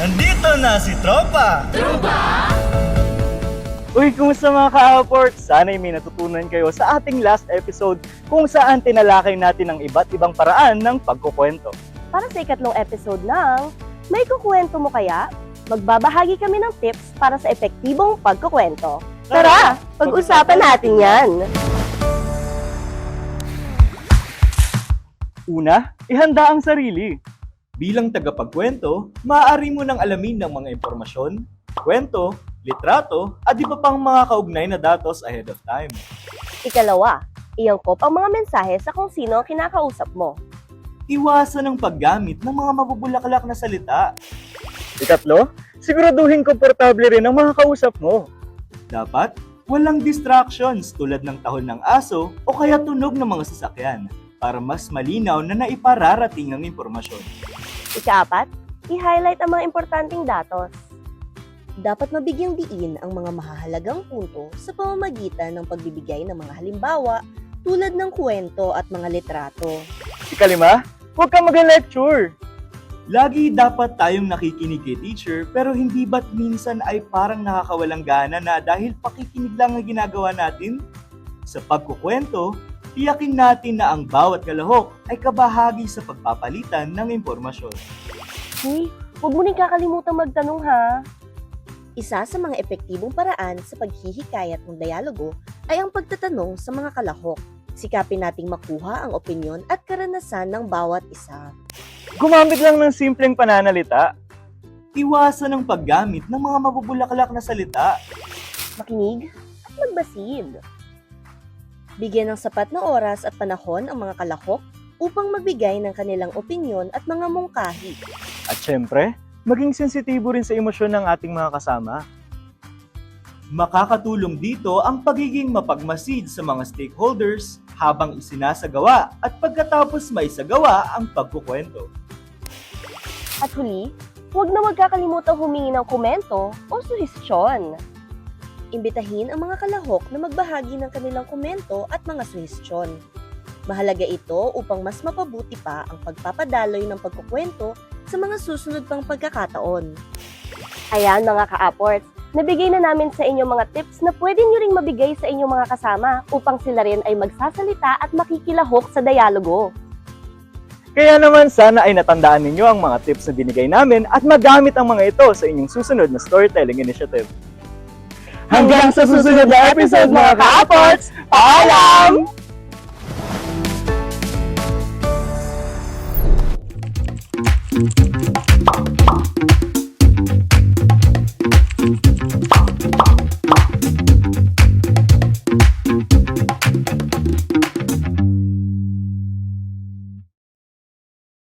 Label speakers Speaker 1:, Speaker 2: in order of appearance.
Speaker 1: Nandito na si Tropa!
Speaker 2: Uy, kumusta mga ka-Apport? Sana'y may natutunan kayo sa ating last episode kung saan tinalakay natin ang iba't ibang paraan ng pagkukwento.
Speaker 3: Para sa ikatlong episode ng May Kukwento Mo Kaya? Magbabahagi kami ng tips para sa epektibong pagkukwento. Tara, pag-usapan natin yan!
Speaker 2: Una, ihanda ang sarili.
Speaker 1: Bilang tagapagkwento, maaari mo nang alamin ng mga impormasyon, kwento, litrato, at iba pang mga kaugnay na datos ahead of time.
Speaker 3: Ikalawa, iangkop ang mga mensahe sa kung sino ang kinakausap mo.
Speaker 1: Iwasan ang paggamit ng mga mabubulaklak na salita.
Speaker 2: Ikatlo, siguraduhin komportable rin ang mga kausap mo.
Speaker 1: Dapat, walang distractions tulad ng tahol ng aso o kaya tunog ng mga sasakyan para mas malinaw na naipararating ang impormasyon.
Speaker 3: Ikaapat, i-highlight ang mga importanteng datos. Dapat mabigyang diin ang mga mahahalagang punto sa pamamagitan ng pagbibigay ng mga halimbawa tulad ng kwento at mga litrato.
Speaker 2: Ikalima, huwag kang mag-lecture.
Speaker 1: Lagi dapat tayong nakikinig kay teacher pero hindi ba't minsan ay parang nakakawalang gana na dahil pakikinig lang ang ginagawa natin? Sa pagkukwento, tiyakin natin na ang bawat kalahok ay kabahagi sa pagpapalitan ng impormasyon.
Speaker 3: Uy, huwag mo rin kakalimutan magtanong ha. Isa sa mga epektibong paraan sa paghihikayat ng dialogo ay ang pagtatanong sa mga kalahok. Sikapin nating makuha ang opinyon at karanasan ng bawat isa.
Speaker 2: Gumamit lang ng simpleng pananalita.
Speaker 1: Iwasan ang paggamit ng mga mabubulaklak na salita.
Speaker 3: Makinig at magbasid. Bigyan ng sapat na oras at panahon ang mga kalahok upang magbigay ng kanilang opinyon at mga mungkahi.
Speaker 2: At syempre, maging sensitibo rin sa emosyon ng ating mga kasama.
Speaker 1: Makakatulong dito ang pagiging mapagmasid sa mga stakeholders habang isinasagawa at pagkatapos maisagawa ang pagkukwento.
Speaker 3: At huli, huwag na huwag kakalimutang humingi ng komento o suhestyon. Imbitahin ang mga kalahok na magbahagi ng kanilang komento at mga suhestyon. Mahalaga ito upang mas mapabuti pa ang pagpapadaloy ng pagkukwento sa mga susunod pang pagkakataon. Ayan mga ka-Apports, nabigay na namin sa inyo mga tips na pwede nyo ring mabigay sa inyong mga kasama upang sila rin ay magsasalita at makikilahok sa dialogo.
Speaker 2: Kaya naman sana ay natandaan ninyo ang mga tips na binigay namin at magamit ang mga ito sa inyong susunod na storytelling initiative. Hanggang sa susunod na episode mga ka-Apports! Paalam!